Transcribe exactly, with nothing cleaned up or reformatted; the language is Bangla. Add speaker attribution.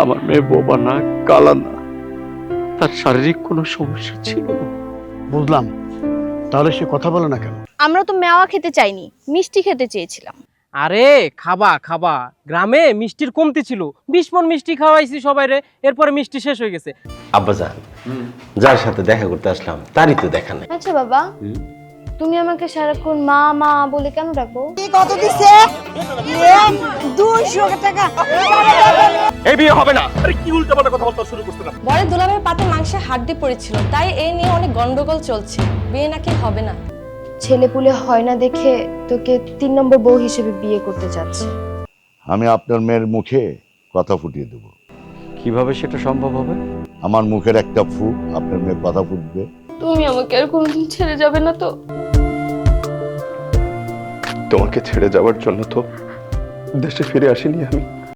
Speaker 1: আমার মেয়ে বোবা না, কালা না, তার শারীরিক কোনো সমস্যা ছিল না।
Speaker 2: বুঝলাম, তাহলে সে কথা বলে না কেন?
Speaker 3: আমরা তো মেওয়া খেতে চাইনি, মিষ্টি খেতে চেয়েছিলাম।
Speaker 4: আরে খাবা খাবা, গ্রামে মিষ্টির কমতি ছিল, বিশ মন মিষ্টি খাওয়াইছি সবাইরে, এরপরে মিষ্টি শেষ হয়ে গেছে।
Speaker 5: আব্বাজান, যার সাথে দেখা করতে আসলাম তারই তো দেখা নাই।
Speaker 3: আচ্ছা বাবা, তুমি আমাকে সারাক্ষণ মা মা বলে কেন ডাকো?
Speaker 6: কত দিছে? দুইশো টাকা।
Speaker 1: এই বিয়ে হবে না। আরে কি উল্টাপাল্টা কথা বলতে শুরু করছিস?
Speaker 7: বড় দুলাভাইয়ের পাতে মাংসে হাড্ডি পড়েছিল, তাই এই নিয়ে অনেক গন্ডগোল চলছে। বিয়ে নাকি হবে না।
Speaker 3: ছেলেপুলে হয় না দেখে তোকে তিন নম্বর বউ হিসেবে বিয়ে করতে চাচ্ছে।
Speaker 8: আমি আপনার মেয়ের মুখে কথা ফুটিয়ে দেব।
Speaker 1: কিভাবে সেটা সম্ভব হবে?
Speaker 8: আমার মুখের একটা ফুক আপনার মেয়ে কথা ফুটবে।
Speaker 3: তুমি আমাকে আর কোনোদিন ছেড়ে যাবে না তো?
Speaker 1: তোমাকে ছেড়ে যাওয়ার জন্য তো দেশে ফিরে আসিনি আমি।